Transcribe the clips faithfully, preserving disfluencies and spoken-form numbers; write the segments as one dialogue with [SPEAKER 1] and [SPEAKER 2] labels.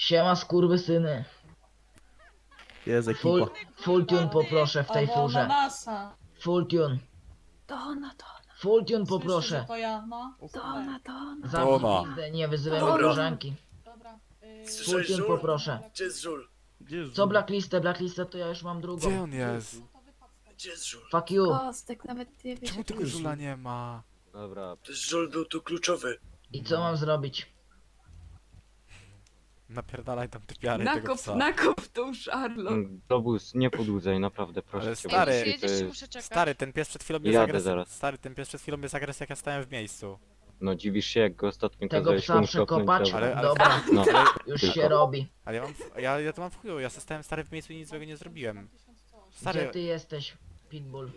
[SPEAKER 1] Siema skurwysyny.
[SPEAKER 2] Jest
[SPEAKER 1] Full,
[SPEAKER 2] ekipa.
[SPEAKER 1] full tune poproszę w tej
[SPEAKER 3] Albo
[SPEAKER 1] furze.
[SPEAKER 3] ananasa.
[SPEAKER 1] Full tune.
[SPEAKER 4] To ona, to ona,
[SPEAKER 1] Full tune
[SPEAKER 3] Słyszysz, że
[SPEAKER 1] poproszę.
[SPEAKER 3] to ja, no?
[SPEAKER 4] to ona, to ona.
[SPEAKER 1] Zamknij
[SPEAKER 5] Ona.
[SPEAKER 1] pizdę, nie wyzywaj
[SPEAKER 4] Dobra.
[SPEAKER 1] koleżanki.
[SPEAKER 3] Dobra. Yy,
[SPEAKER 1] Full
[SPEAKER 6] Słyszałeś,
[SPEAKER 1] tune
[SPEAKER 6] Żul?
[SPEAKER 1] poproszę.
[SPEAKER 6] Gdzie jest Żul?
[SPEAKER 2] Gdzie jest
[SPEAKER 1] Co blacklistę? Blacklistę to ja już mam drugą.
[SPEAKER 5] Gdzie on jest?
[SPEAKER 6] Gdzie jest Żul?
[SPEAKER 1] Fuck you.
[SPEAKER 4] Kostek, nawet nie wiesz.
[SPEAKER 5] Czemu tego żula nie ma?
[SPEAKER 7] Dobra,
[SPEAKER 6] To jest Żul był tu kluczowy.
[SPEAKER 1] I co mam zrobić?
[SPEAKER 5] Napierdalaj tam typiary tego
[SPEAKER 4] Nakop,
[SPEAKER 5] psa.
[SPEAKER 4] nakop tą Charlotte.
[SPEAKER 7] mm, Globus, nie podłudzaj, naprawdę, proszę
[SPEAKER 5] Ale
[SPEAKER 7] cię.
[SPEAKER 5] stary,
[SPEAKER 7] bo
[SPEAKER 8] Jeśli
[SPEAKER 7] to
[SPEAKER 8] jedziesz,
[SPEAKER 7] jest-
[SPEAKER 8] muszę czekać.
[SPEAKER 5] Stary, ten pies przed chwilą jest
[SPEAKER 7] Jadę
[SPEAKER 5] agresywny.
[SPEAKER 7] zaraz.
[SPEAKER 5] Stary, ten pies przed chwilą jest agresywny, jak ja stałem w miejscu.
[SPEAKER 7] No dziwisz się, jak go ostatnio
[SPEAKER 1] Tego
[SPEAKER 7] kazałeś
[SPEAKER 1] psa
[SPEAKER 7] komuś
[SPEAKER 1] przekopać?
[SPEAKER 7] kopnąć,
[SPEAKER 5] Ale- ale-
[SPEAKER 1] Dobra,
[SPEAKER 7] No,
[SPEAKER 1] już
[SPEAKER 7] tylko.
[SPEAKER 1] się robi.
[SPEAKER 5] Ale ja mam, ja, ja to mam w chuju, ja stałem stary w miejscu i nic złego nie zrobiłem.
[SPEAKER 1] Gdzie
[SPEAKER 5] Stary,
[SPEAKER 1] ty jesteś, Pitbull?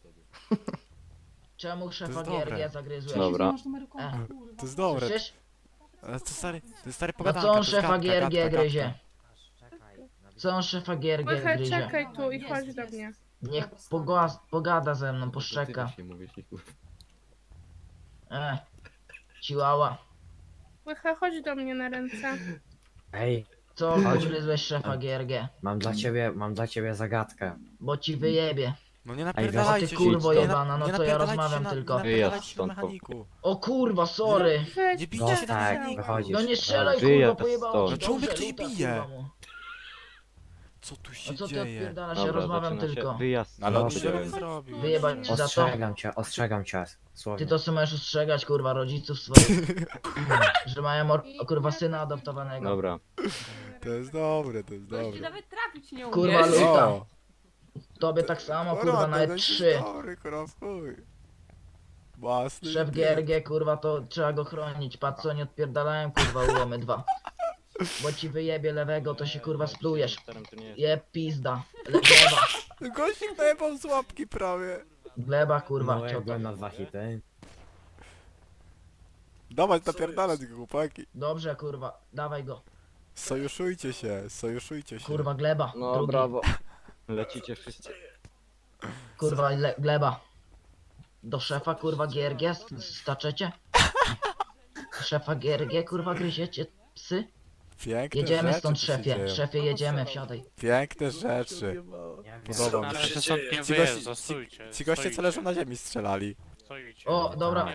[SPEAKER 1] Czemu szefa
[SPEAKER 5] jest dobre.
[SPEAKER 1] G R G zagryzłeś?
[SPEAKER 7] Dobra.
[SPEAKER 3] Nie masz numeru konta,
[SPEAKER 1] E,
[SPEAKER 3] kurwa.
[SPEAKER 5] to jest dobre.
[SPEAKER 1] Słyszysz?
[SPEAKER 5] Ale to stary, to jest stary
[SPEAKER 1] No
[SPEAKER 5] pogadanka,
[SPEAKER 1] co on
[SPEAKER 5] to jest
[SPEAKER 1] szefa
[SPEAKER 5] gadka,
[SPEAKER 1] G R G
[SPEAKER 5] gadka,
[SPEAKER 1] gryzie?
[SPEAKER 5] gadka.
[SPEAKER 1] Co on szefa G R G
[SPEAKER 9] Łychę,
[SPEAKER 1] gryzie?
[SPEAKER 9] czekaj tu i
[SPEAKER 3] Jest,
[SPEAKER 9] chodź
[SPEAKER 3] jest.
[SPEAKER 9] do mnie.
[SPEAKER 1] Niech poga- pogada ze mną,
[SPEAKER 7] To
[SPEAKER 1] poszczeka.
[SPEAKER 7] ty się mówisz, nie kurwa.
[SPEAKER 1] E, Chihuahua.
[SPEAKER 9] Łychę, chodź do mnie na ręce.
[SPEAKER 10] Ej,
[SPEAKER 1] Co
[SPEAKER 10] Chodź.
[SPEAKER 1] ugryzłeś szefa G R G?
[SPEAKER 10] mam dla ciebie, mam dla ciebie zagadkę.
[SPEAKER 1] Bo ci wyjebie.
[SPEAKER 5] No nie
[SPEAKER 1] O
[SPEAKER 5] napierdalajcie
[SPEAKER 1] ty
[SPEAKER 5] się.
[SPEAKER 1] kurwo
[SPEAKER 5] nie
[SPEAKER 1] jebana, no
[SPEAKER 5] nie
[SPEAKER 1] co ja
[SPEAKER 5] napierdalajcie
[SPEAKER 1] rozmawiam
[SPEAKER 5] się na,
[SPEAKER 1] tylko.
[SPEAKER 5] Nie napierdalajcie się na
[SPEAKER 7] Wyjazd stąd,
[SPEAKER 5] mechaniku.
[SPEAKER 1] O kurwa, sorry.
[SPEAKER 9] Weź,
[SPEAKER 5] Nie bijcie
[SPEAKER 10] No
[SPEAKER 5] się na
[SPEAKER 10] tak,
[SPEAKER 5] mechaniku.
[SPEAKER 10] wychodzisz.
[SPEAKER 1] No nie strzelaj kurwa,
[SPEAKER 7] Wyjazd
[SPEAKER 1] pojebało
[SPEAKER 7] stąd.
[SPEAKER 1] ci.
[SPEAKER 5] No czemu mnie
[SPEAKER 1] Dobrze,
[SPEAKER 5] ktoś
[SPEAKER 1] luta,
[SPEAKER 5] bije?
[SPEAKER 1] kurwa mu.
[SPEAKER 5] Co tu
[SPEAKER 1] No
[SPEAKER 5] się
[SPEAKER 1] co ty
[SPEAKER 5] dzieje?
[SPEAKER 1] odpierdalasz, ja
[SPEAKER 7] Dobra,
[SPEAKER 1] rozmawiam
[SPEAKER 7] zaczyna
[SPEAKER 1] tylko.
[SPEAKER 7] się wyjazd.
[SPEAKER 5] Ale on
[SPEAKER 10] Dobrze.
[SPEAKER 5] tego nie zrobił.
[SPEAKER 1] Wyjebać ci za to.
[SPEAKER 10] Ostrzegam cię, ostrzegam cię. Słownie.
[SPEAKER 1] Ty to co możesz ostrzegać kurwa rodziców swoich. Że mają mor- o, kurwa syna adoptowanego.
[SPEAKER 7] Dobra,
[SPEAKER 5] To jest dobre, to jest
[SPEAKER 4] Gościu
[SPEAKER 5] dobre.
[SPEAKER 4] nawet trafić nie
[SPEAKER 1] Kurwa
[SPEAKER 4] umiesz.
[SPEAKER 1] luta.
[SPEAKER 5] O,
[SPEAKER 1] Tobie tak samo kurwa
[SPEAKER 5] to
[SPEAKER 1] nawet
[SPEAKER 5] jest
[SPEAKER 1] trzy.
[SPEAKER 5] Dobry, kurwa, w chuj. Własny
[SPEAKER 1] Szef
[SPEAKER 5] pies.
[SPEAKER 1] G R G kurwa to trzeba go chronić. Patrz co nie odpierdalają kurwa ułomy dwa. Bo ci wyjebie lewego to się kurwa splujesz.
[SPEAKER 7] Starym to nie jest.
[SPEAKER 1] Je pizda. Le- Gleba.
[SPEAKER 5] Gościk najebał z łapki prawie.
[SPEAKER 1] Gleba kurwa.
[SPEAKER 10] No jak
[SPEAKER 1] Cioto.
[SPEAKER 10] byłem na dwa hity.
[SPEAKER 5] Dawać napierdalać go, chłopaki.
[SPEAKER 1] Dobrze kurwa. Dawaj go.
[SPEAKER 5] Sojuszujcie się, sojuszujcie się.
[SPEAKER 1] Kurwa gleba.
[SPEAKER 7] No
[SPEAKER 1] Drugi.
[SPEAKER 7] brawo. Lecicie wszyscy.
[SPEAKER 1] Kurwa le- gleba. Do szefa kurwa G R G st- staczecie? Szefa G R G kurwa gryziecie psy?
[SPEAKER 5] Piękne
[SPEAKER 1] Jedziemy
[SPEAKER 5] rzeczy
[SPEAKER 1] stąd
[SPEAKER 5] tu się
[SPEAKER 1] szefie.
[SPEAKER 5] dzieją.
[SPEAKER 1] Szefie jedziemy, wsiadaj.
[SPEAKER 5] Piękne rzeczy.
[SPEAKER 10] Nie wiem.
[SPEAKER 5] Podoba mi
[SPEAKER 6] Ale
[SPEAKER 5] się.
[SPEAKER 6] to
[SPEAKER 5] Ci
[SPEAKER 6] stąd nie
[SPEAKER 5] goście,
[SPEAKER 11] wyjeżdża,
[SPEAKER 5] ci,
[SPEAKER 11] stójcie,
[SPEAKER 5] ci goście co
[SPEAKER 11] stoicie.
[SPEAKER 5] leżą na ziemi strzelali.
[SPEAKER 11] Stoicie.
[SPEAKER 1] O, dobra.